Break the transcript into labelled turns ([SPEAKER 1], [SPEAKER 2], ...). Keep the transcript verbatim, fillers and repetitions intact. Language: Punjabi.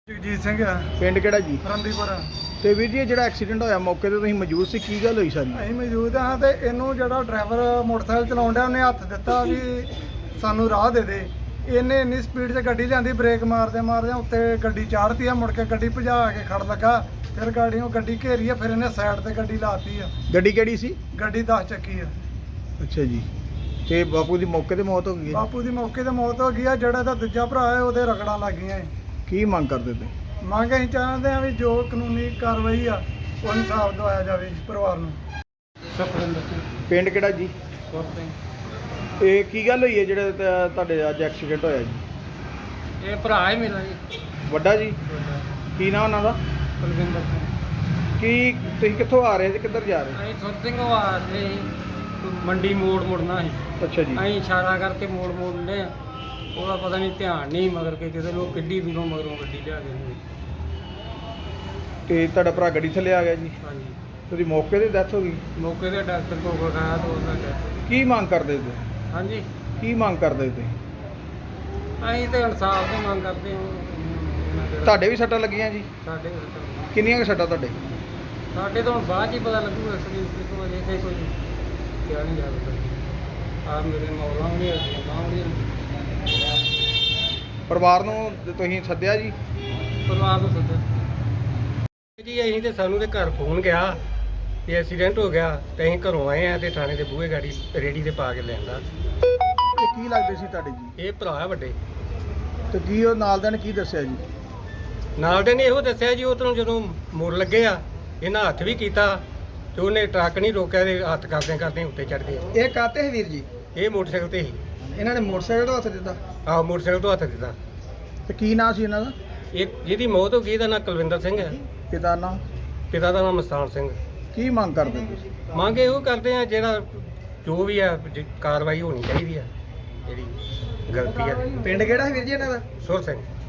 [SPEAKER 1] ਜਗਜੀਤ ਸਿੰਘ ਆ
[SPEAKER 2] ਪਿੰਡ ਕਿਹੜਾ ਜੀ?
[SPEAKER 1] ਰੰਦੀਪੁਰ।
[SPEAKER 2] ਤੇ ਵੀਰ ਜੀ ਇਹ ਜਿਹੜਾ ਐਕਸੀਡੈਂਟ ਹੋਇਆ ਮੌਕੇ ਤੇ ਤੁਸੀਂ ਮੌਜੂਦ ਸੀ, ਕੀ ਗੱਲ ਹੋਈ ਸਾਰੀ?
[SPEAKER 1] ਅਸੀਂ ਮੌਜੂਦ ਹਾਂ ਤੇ ਇਹਨੂੰ ਜਿਹੜਾ ਡਰਾਈਵਰ ਮੋਟਰਸਾਈਕਲ ਚਲਾਉਣ ਡਿਆ ਉਹਨੇ ਹੱਥ ਦਿੱਤਾ ਵੀ ਸਾਨੂੰ ਰਾਹ ਦੇ ਦੇ। ਇਹਨੇ ਇੰਨੀ ਸਪੀਡ 'ਚ ਗੱਡੀ ਲਿਆਂਦੀ, ਬ੍ਰੇਕ ਮਾਰਦੇ ਮਾਰਦੇ ਉੱਤੇ ਗੱਡੀ ਚਾੜਤੀ ਆ, ਮੁੜ ਕੇ ਗੱਡੀ ਭਜਾ ਕੇ ਖੜ ਲੱਗਾ। ਫਿਰ ਗਾੜੀਆਂ ਗੱਡੀ ਘੇਰੀ ਆ, ਫਿਰ ਇਹਨੇ ਸਾਈਡ ਤੇ ਗੱਡੀ ਲਾਤੀ ਆ।
[SPEAKER 2] ਗੱਡੀ ਕਿਹੜੀ ਸੀ?
[SPEAKER 1] ਗੱਡੀ ਦਸ ਚੱਕੀ ਆ।
[SPEAKER 2] ਅੱਛਾ ਜੀ। ਤੇ ਬਾਪੂ ਦੀ ਮੌਕੇ ਤੇ ਮੌਤ ਹੋ ਗਈ ਹੈ?
[SPEAKER 1] ਬਾਪੂ ਦੀ ਮੌਕੇ ਤੇ ਮੌਤ ਹੋ ਗਈ ਆ। ਜਿਹੜਾ ਇਹਦਾ ਦੂਜਾ ਭਰਾ ਹੈ ਉਹਦੇ ਰਗੜਾਂ ਲੱਗ ਗਈਆਂ ਏ।
[SPEAKER 2] ਕੀ ਮੰਗ ਕਰਦੇ ਤੇ?
[SPEAKER 1] ਮੰਗ ਅਸੀਂ ਚਾਹੁੰਦੇ ਆ ਵੀ ਜੋ ਕਾਨੂੰਨੀ ਕਾਰਵਾਈ ਆ ਉਹ ਇਨਸਾਫ ਦਵਾਇਆ ਜਾਵੇ ਪਰਿਵਾਰ ਨੂੰ। ਸੁਖਵਿੰਦਰ ਸਿੰਘ।
[SPEAKER 2] ਪਿੰਡ ਕਿਹੜਾ ਜੀ?
[SPEAKER 1] ਸੁਰ ਸਿੰਘ।
[SPEAKER 2] ਇਹ ਕੀ ਗੱਲ ਹੋਈ ਹੈ ਜਿਹੜਾ ਤ- ਤੁਹਾਡੇ ਅੱਜ ਐਕਸੀਡੈਂਟ ਹੋਇਆ ਜੀ?
[SPEAKER 1] ਇਹ ਭਰਾ ਹੀ ਮੇਰਾ ਜੀ,
[SPEAKER 2] ਵੱਡਾ ਜੀ? ਕੀ ਨਾਮ ਉਹਨਾਂ ਦਾ?
[SPEAKER 1] ਕੁਲਵਿੰਦਰ ਸਿੰਘ।
[SPEAKER 2] ਕੀ ਤੁਸੀਂ ਕਿੱਥੋਂ ਆ ਰਹੇ ਤੇ ਕਿੱਧਰ ਜਾ ਰਹੇ?
[SPEAKER 1] ਅਸੀਂ ਸੁਰ ਸਿੰਘ ਆ ਰਹੇ ਮੰਡੀ ਮੋੜ ਮੁੜਨਾ ਸੀ।
[SPEAKER 2] ਅੱਛਾ ਜੀ।
[SPEAKER 1] ਅਸੀਂ ਇਸ਼ਾਰਾ ਕਰਕੇ ਮੋੜ ਮੋੜਨੇ ਆ, ਉਹਦਾ ਪਤਾ ਨਹੀਂ ਧਿਆਨ ਨਹੀਂ ਮਗਰ ਕੇ ਕਿਸੇ ਨੂੰ ਕਿੱਡੀ ਦੂਰੋਂ ਮਗਰੋਂ ਗੱਡੀ ਲਿਆ ਗਈ।
[SPEAKER 2] ਤੇ ਤੁਹਾਡਾ ਭਰਾ ਗੱਡੀ ਥੱਲੇ ਆ ਗਿਆ ਜੀ?
[SPEAKER 1] ਹਾਂਜੀ।
[SPEAKER 2] ਉਹਦੀ ਮੌਕੇ ਤੇ ਡੈਥ ਹੋ ਗਈ?
[SPEAKER 1] ਮੌਕੇ ਤੇ ਡਾਕਟਰ ਕੋਲ ਵਿਖਾਇਆ ਤਾਂ ਉਹਨਾਂ ਨੇ।
[SPEAKER 2] ਕੀ ਮੰਗ ਕਰਦੇ ਤੇ?
[SPEAKER 1] ਹਾਂਜੀ।
[SPEAKER 2] ਕੀ ਮੰਗ ਕਰਦੇ ਤੇ?
[SPEAKER 1] ਅਸੀਂ ਤੇ ਇਨਸਾਫ ਦੀ ਮੰਗ ਕਰਦੇ ਹਾਂ।
[SPEAKER 2] ਤੁਹਾਡੇ ਵੀ ਸੱਟਾਂ ਲੱਗੀਆਂ ਜੀ?
[SPEAKER 1] ਸਾਡੇ
[SPEAKER 2] ਕਿੰਨੀਆਂ ਕੁ ਸੱਟਾਂ ਤੁਹਾਡੇ?
[SPEAKER 1] ਸਾਡੇ ਤੋਂ ਹੁਣ ਬਾਅਦ 'ਚ ਹੀ ਪਤਾ ਲੱਗੂਗਾ ਸਰੀਰ ਤੋਂ, ਅਜੇ ਤੇ ਕੋਈ ਕਿਹਾ ਨਹੀਂ ਜਾ ਸਕਦਾ। ਆ ਮੇਰੇ ਮੌਲਾਂ ਵੀ ਨਹੀਂ ਬਾਹਾਂ ਵੀ ਨਹੀਂ।
[SPEAKER 2] ਪਰਿਵਾਰ ਨੂੰ ਤੁਸੀਂ ਸੱਦਿਆ ਜੀ?
[SPEAKER 1] ਪਰਿਵਾਰ ਨੂੰ ਸੱਦਿਆ ਜੀ। ਅਸੀਂ ਤੇ ਸਾਨੂੰ ਤੇ ਘਰ ਫੋਨ ਗਿਆ ਕਿ ਐਕਸੀਡੈਂਟ ਹੋ ਗਿਆ ਤੇ ਅਸੀਂ ਘਰੋਂ ਆਏ ਆ ਤੇ ਥਾਣੇ ਦੇ ਬੂਹੇ ਗਾੜੀ ਰੇੜੀ ਤੇ ਪਾ ਕੇ ਲਿਆਂਦਾ।
[SPEAKER 2] ਤੇ ਕੀ ਲੱਗਦੇ ਸੀ ਤੁਹਾਡੇ ਜੀ?
[SPEAKER 1] ਇਹ ਭਰਾ ਆ ਵੱਡੇ।
[SPEAKER 2] ਤੇ ਕੀ ਉਹ ਨਾਲ ਦੇ ਨੇ ਕੀ ਦੱਸਿਆ ਜੀ?
[SPEAKER 1] ਨਾਲ ਦੇ ਨੇ ਇਹੋ ਦੱਸਿਆ ਜੀ ਉਧਰੋਂ ਜਦੋਂ ਮੁੜ ਲੱਗੇ ਆ ਇਹਨਾਂ ਹੱਥ ਵੀ ਕੀਤਾ ਤੇ ਉਹਨੇ ਟਰੱਕ ਨਹੀਂ ਰੋਕਿਆ ਤੇ ਹੱਥ ਕਰਦੇ ਕਰਦੇ ਉੱਤੇ ਚੜ ਗਏ।
[SPEAKER 2] ਇਹ ਕਾਤੇ ਹੈ ਵੀਰ ਜੀ?
[SPEAKER 1] ਇਹ ਮੋਟਰਸਾਈਕਲ ਤੇ ਸੀ।
[SPEAKER 2] ਇਹਨਾਂ ਨੇ ਮੋਟਰਸਾਈਕਲ ਤੋਂ ਹੱਥ ਦਿੱਤਾ?
[SPEAKER 1] ਆਹ ਮੋਟਰਸਾਈਕਲ ਤੋਂ ਹੱਥ ਦਿੱਤਾ।
[SPEAKER 2] ਤੇ ਕੀ ਨਾਂ ਸੀ ਇਹਨਾਂ ਦਾ?
[SPEAKER 1] ਇਹ ਜਿਹਦੀ ਮੌਤ ਹੋ ਗਈ ਇਹਦਾ ਨਾਂ ਕੁਲਵਿੰਦਰ ਸਿੰਘ ਹੈ।
[SPEAKER 2] ਪਿਤਾ ਨਾਂ?
[SPEAKER 1] ਪਿਤਾ ਦਾ ਨਾਮ ਮਸਤਾਨ ਸਿੰਘ।
[SPEAKER 2] ਕੀ ਮੰਗ ਕਰਦੇ ਤੁਸੀਂ?
[SPEAKER 1] ਮੰਗ ਇਹੋ ਕਰਦੇ ਆ ਜਿਹੜਾ ਜੋ ਵੀ ਆ ਜ- ਕਾਰਵਾਈ ਹੋਣੀ ਚਾਹੀਦੀ ਆ ਜਿਹੜੀ ਗਲਤੀ ਆ।
[SPEAKER 2] ਪਿੰਡ ਕਿਹੜਾ ਹੈ ਵੀਰ ਜੀ ਇਹਨਾਂ ਦਾ?
[SPEAKER 1] ਸੁਰ ਸਿੰਘ।